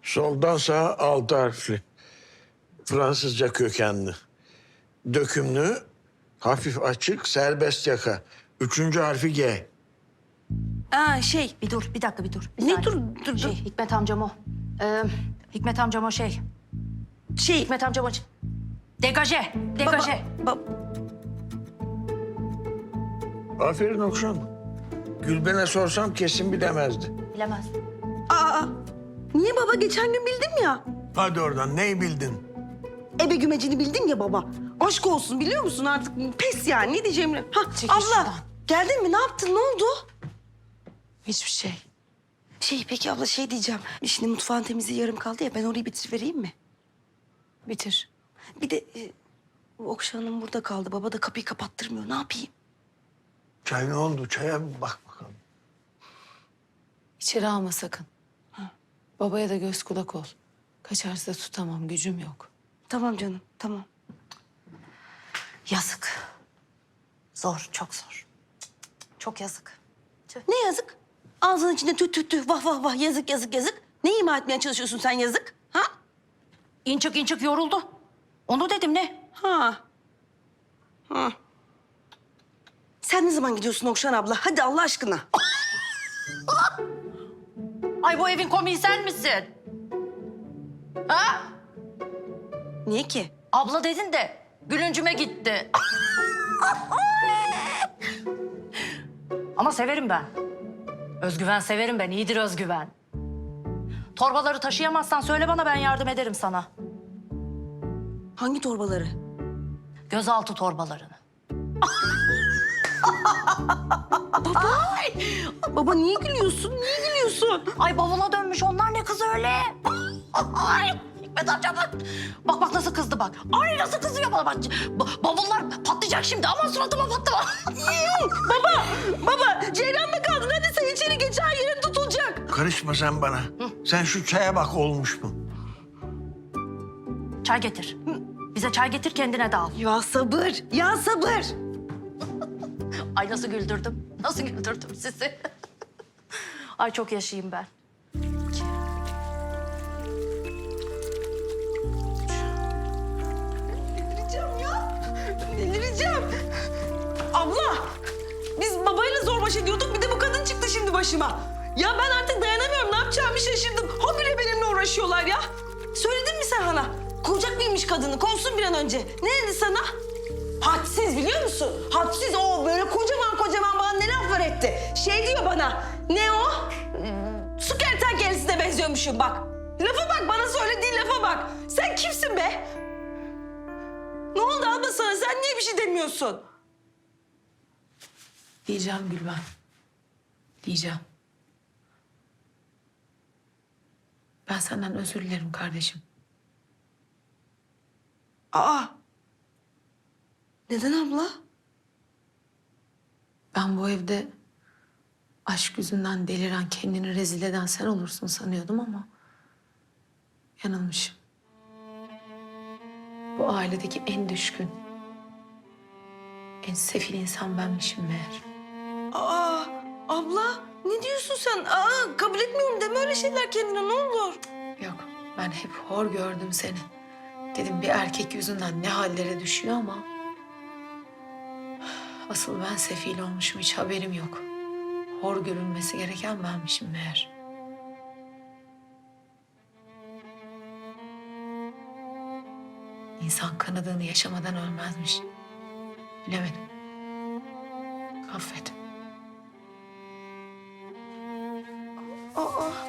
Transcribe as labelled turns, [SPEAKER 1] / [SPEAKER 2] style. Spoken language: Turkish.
[SPEAKER 1] Soldan sağa 6 harfli. Fransızca kökenli. Dökümlü, hafif açık, serbest yaka. 3. harfi G.
[SPEAKER 2] Bir dur, bir dakika bir dur. Bir
[SPEAKER 3] Ne
[SPEAKER 2] saniye.
[SPEAKER 3] dur?
[SPEAKER 2] Hikmet amcam o. Hikmet amcam o şey. Hikmet amcam o. Degaje, degaje.
[SPEAKER 1] Aferin Okşan. Gülben'e sorsam kesin bilemezdi.
[SPEAKER 2] Bilemez.
[SPEAKER 3] Niye baba? Geçen gün bildim ya.
[SPEAKER 1] Hadi oradan, neyi bildin?
[SPEAKER 3] Ebe gümecini bildim ya baba. Aşk olsun biliyor musun artık pes yani ne diyeceğimi.
[SPEAKER 2] Çekil
[SPEAKER 3] Abla
[SPEAKER 2] şuradan.
[SPEAKER 3] geldin mi ne yaptın ne oldu?
[SPEAKER 2] Hiçbir şey.
[SPEAKER 3] Peki abla diyeceğim. Şimdi mutfağın temizliği yarım kaldı ya ben orayı bitirivereyim mi?
[SPEAKER 2] Bitir.
[SPEAKER 3] Bir de Okşan Hanım burada kaldı. Baba da kapıyı kapattırmıyor. Ne yapayım?
[SPEAKER 1] Çay ne oldu? Çaya bir bak bakalım.
[SPEAKER 4] İçeri alma sakın. Babaya da göz kulak ol. Kaçarsa tutamam, gücüm yok.
[SPEAKER 3] Tamam canım tamam.
[SPEAKER 2] Yazık. Zor, çok zor. Çok yazık.
[SPEAKER 3] Ne yazık? Ağzının içinde tüh vah vah vah yazık yazık yazık. Ne ima etmeye çalışıyorsun sen yazık? Ha?
[SPEAKER 2] İnçik yoruldu. Onu dedim ne?
[SPEAKER 3] Ha. Sen ne zaman gidiyorsun Okşan abla? Hadi Allah aşkına.
[SPEAKER 2] Ay bu evin komiği sen misin? Ha?
[SPEAKER 3] Niye ki?
[SPEAKER 2] Abla dedin de gülüncüme gitti. Ama severim ben. Özgüven severim ben. İyidir özgüven. Torbaları taşıyamazsan söyle bana, ben yardım ederim sana.
[SPEAKER 3] Hangi torbaları?
[SPEAKER 2] Gözaltı torbalarını.
[SPEAKER 3] Baba niye gülüyorsun? Niye gülüyorsun?
[SPEAKER 2] Ay bavula dönmüş onlar, ne kız öyle? Ay Hikmet amca bak. Bak nasıl kızdı bak. Ay nasıl kızıyor bana bak. Bavullar patlayacak şimdi, aman suratıma patlama.
[SPEAKER 3] Baba Ceylan mı kaldın? Hadi sen içeri geç her yerin tutulacak.
[SPEAKER 1] Karışma sen bana. Sen şu çaya bak olmuş mu?
[SPEAKER 2] Çay getir. Bize çay getir, kendine de al.
[SPEAKER 3] Ya sabır, ya sabır.
[SPEAKER 2] Ay nasıl güldürdüm. Nasıl güldürdüm sizi. Ay çok yaşayayım ben.
[SPEAKER 3] Delireceğim ya. Delireceğim. Abla, biz babayla zor baş ediyorduk. Bir de bu kadın çıktı şimdi başıma. Ya ben artık dayanamıyorum. Ne yapacağımı şaşırdım. Habire benimle uğraşıyorlar ya. Söyledin mi sen Hana? Kovacak mıymış kadını? Kovsun bir an önce. Ne dedi sana? Hadsiz biliyor musun? Hadsiz o böyle kocaman bana ne laflar etti. Diyor bana. Ne o? Su kertenkelesine benziyormuşum bak. Lafa bak, bana söylediğin lafa bak. Sen kimsin be? Ne oldu abla sana? Sen niye bir şey demiyorsun?
[SPEAKER 4] Diyeceğim Gülben. Diyeceğim. Ben senden özür dilerim kardeşim.
[SPEAKER 3] Aa. Neden abla?
[SPEAKER 4] Ben bu evde aşk yüzünden deliren, kendini rezil eden sen olursun sanıyordum ama yanılmışım. Bu ailedeki en düşkün, en sefil insan benmişim meğer.
[SPEAKER 3] Aa, abla ne diyorsun sen? Kabul etmiyorum deme öyle şeyler kendine ne olur.
[SPEAKER 4] Yok, ben hep hor gördüm seni. Dedim bir erkek yüzünden ne hallere düşüyor ama... Asıl ben sefil olmuşum, hiç haberim yok. Hor görülmesi gereken benmişim meğer. İnsan kanadığını yaşamadan ölmezmiş. Bilemedim. Affet.
[SPEAKER 3] Aa,